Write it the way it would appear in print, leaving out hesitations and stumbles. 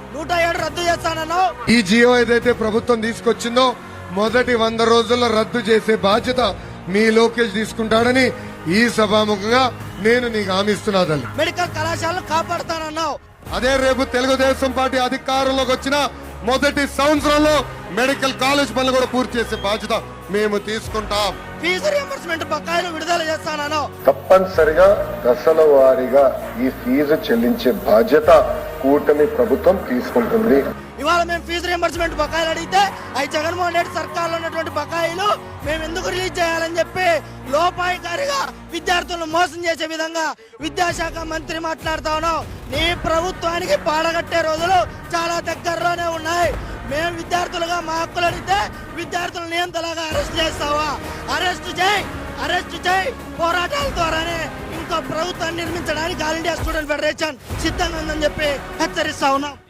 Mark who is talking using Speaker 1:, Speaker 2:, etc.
Speaker 1: 107 రద్దు చేస్తానన్నావు.
Speaker 2: ఈ జియో ఏదైతే ప్రభుత్వం తీసుకొచ్చిందో మొదటి 100 రోజుల్లో రద్దు చేసే బాధ్యత మీ లోకేష్ తీసుకుంటాడని ఈ సభాముఖంగా నేను నీకు హామీ ఇస్తున్నా తల్లి.
Speaker 1: మెడికల్ కళాశాలను కాపాడుతానన్నావు.
Speaker 2: అదే రేపు తెలుగుదేశం పార్టీ అధికారంలోకి వచ్చిన మొదటి సంవత్సరంలో మెడికల్ కాలేజ్ పనులు కూడా పూర్తి చేసే బాధ్యత మేము తీసుకుంటాం.
Speaker 1: ఫీజు రియంబర్స్మెంట్ బకాయిలు విడుదల చేస్తానన్నావు.
Speaker 3: తప్పనిసరిగా దశల వారీగా ఈ ఫీజు చెల్లించే బాధ్యత కూటమి ప్రభుత్వం తీసుకుంటుంది.
Speaker 1: ఇవాళ మేము ఫీజు రియంబర్స్మెంట్ బకాయిలు అడిగితే అవి జగన్మోహన్ రెడ్డి సర్కార్లో ఉన్నటువంటి బకాయిలు మేము ఎందుకు రిలీజ్ చేయాలని చెప్పి లోపాయికారిగా విద్యార్థులను మోసం చేసే విధంగా విద్యాశాఖ మంత్రి మాట్లాడుతా ఉన్నాం. నీ ప్రభుత్వానికి పాడగట్టే రోజులు చాలా దగ్గరలోనే ఉన్నాయి. మేము విద్యార్థులుగా మా హక్కులు అడిగితే విద్యార్థులను నియంతలాగా అరెస్ట్ చేస్తావా? అరెస్ట్ చేయి. పోరాటాల ద్వారానే ఇంకో ప్రభుత్వాన్ని నిర్మించడానికి ఆల్ ఇండియా స్టూడెంట్ ఫెడరేషన్ సిద్ధంగా ఉందని చెప్పి హెచ్చరిస్తా ఉన్నాం.